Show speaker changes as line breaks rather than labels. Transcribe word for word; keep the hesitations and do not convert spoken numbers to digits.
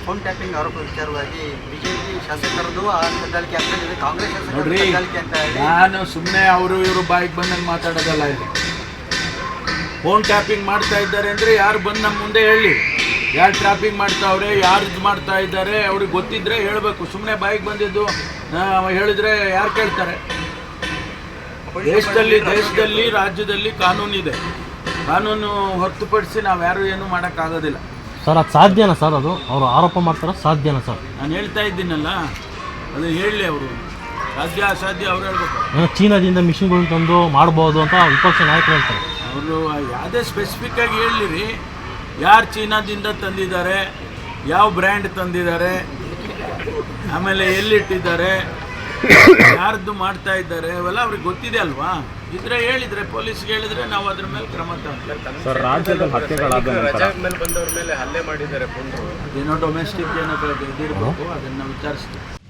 Phone tapping ಆರೋಪ ವಿಚಾರವಾಗಿ BJP ಶಾಸಕರದ್ದು ಆ ಕದ್ದಾಲಿಕೆ ಆಗ್ತದೆ, ಕಾಂಗ್ರೆಸ್
ನೋಡ್ರಿ,
ಕದ್ದಾಲಿಕೆ ಅಂತ ಹೇಳಿ
ನಾನು ಸುಮ್ಮನೆ ಅವರು ಇವರು ಬಾಯಿಗೆ ಬಂದಂಗೆ ಮಾತಾಡೋದಲ್ಲ. ಇಲ್ಲಿ ಫೋನ್ ಟ್ಯಾಪಿಂಗ್ ಮಾಡ್ತಾ ಇದ್ದಾರೆ ಅಂದರೆ ಯಾರು ಬಂದು ನಮ್ಮ ಮುಂದೆ ಹೇಳಿ, ಯಾರು ಟ್ಯಾಪಿಂಗ್ ಮಾಡ್ತಾವ್ರೆ, ಯಾರು ಇದು ಮಾಡ್ತಾ ಇದ್ದಾರೆ ಅವ್ರಿಗೆ ಗೊತ್ತಿದ್ರೆ ಹೇಳಬೇಕು. ಸುಮ್ಮನೆ ಬಾಯಿಗೆ ಬಂದಿದ್ದು ಹೇಳಿದ್ರೆ ಯಾರು ಕೇಳ್ತಾರೆ? ದೇಶದಲ್ಲಿ ದೇಶದಲ್ಲಿ ರಾಜ್ಯದಲ್ಲಿ ಕಾನೂನಿದೆ. ಕಾನೂನು ಹೊರತುಪಡಿಸಿ ನಾವು ಯಾರು ಏನೂ ಮಾಡೋಕ್ಕಾಗೋದಿಲ್ಲ
ಸರ್. ಅದು ಸಾಧ್ಯನಾ ಸರ್? ಅದು ಅವರು ಆರೋಪ ಮಾಡ್ತಾರೆ, ಸಾಧ್ಯನಾ ಸರ್?
ನಾನು ಹೇಳ್ತಾ ಇದ್ದೀನಲ್ಲ, ಅದು ಹೇಳಲಿ ಅವರು. ಸಾಧ್ಯ ಅಸಾಧ್ಯ ಅವ್ರು ಹೇಳ್ಬೇಕು.
ಏನೋ ಚೀನಾದಿಂದ ಮಿಷಿನ್ಗಳನ್ನ ತಂದು ಮಾಡ್ಬೋದು ಅಂತ ವಿಪಕ್ಷ ನಾಯಕರು ಹೇಳ್ತಾರೆ.
ಅವರು ಯಾವುದೇ ಸ್ಪೆಸಿಫಿಕ್ಕಾಗಿ ಹೇಳಿರಿ, ಯಾರು ಚೀನಾದಿಂದ ತಂದಿದ್ದಾರೆ, ಯಾವ ಬ್ರ್ಯಾಂಡ್ ತಂದಿದ್ದಾರೆ, ಆಮೇಲೆ ಎಲ್ಲಿಟ್ಟಿದ್ದಾರೆ, ಯಾರ್ದು ಮಾಡ್ತಾ ಇದ್ದಾರೆ, ಅವೆಲ್ಲ ಅವ್ರಿಗೆ ಗೊತ್ತಿದೆ ಅಲ್ವಾ? ಇದ್ರೆ ಹೇಳಿದರೆ ಪೊಲೀಸ್ಗೆ ಹೇಳಿದರೆ ನಾವು ಅದ್ರ ಮೇಲೆ ಕ್ರಮ ತಗೊಳ್ತೀವಿ.
ಸರ್, ರಾಜ್ಯದ ಹತ್ಯೆಗಳಾದ
ಮೇಲೆ ಬಂದವ್ರ ಮೇಲೆ ಹಲ್ಲೆ ಮಾಡಿದ್ದಾರೆ.
ಅದೇನೋ ಡೊಮೆಸ್ಟಿಕ್ ಏನೋ ಇದಿರಬೇಕು, ಅದನ್ನು ವಿಚಾರಿಸ್ತೀವಿ.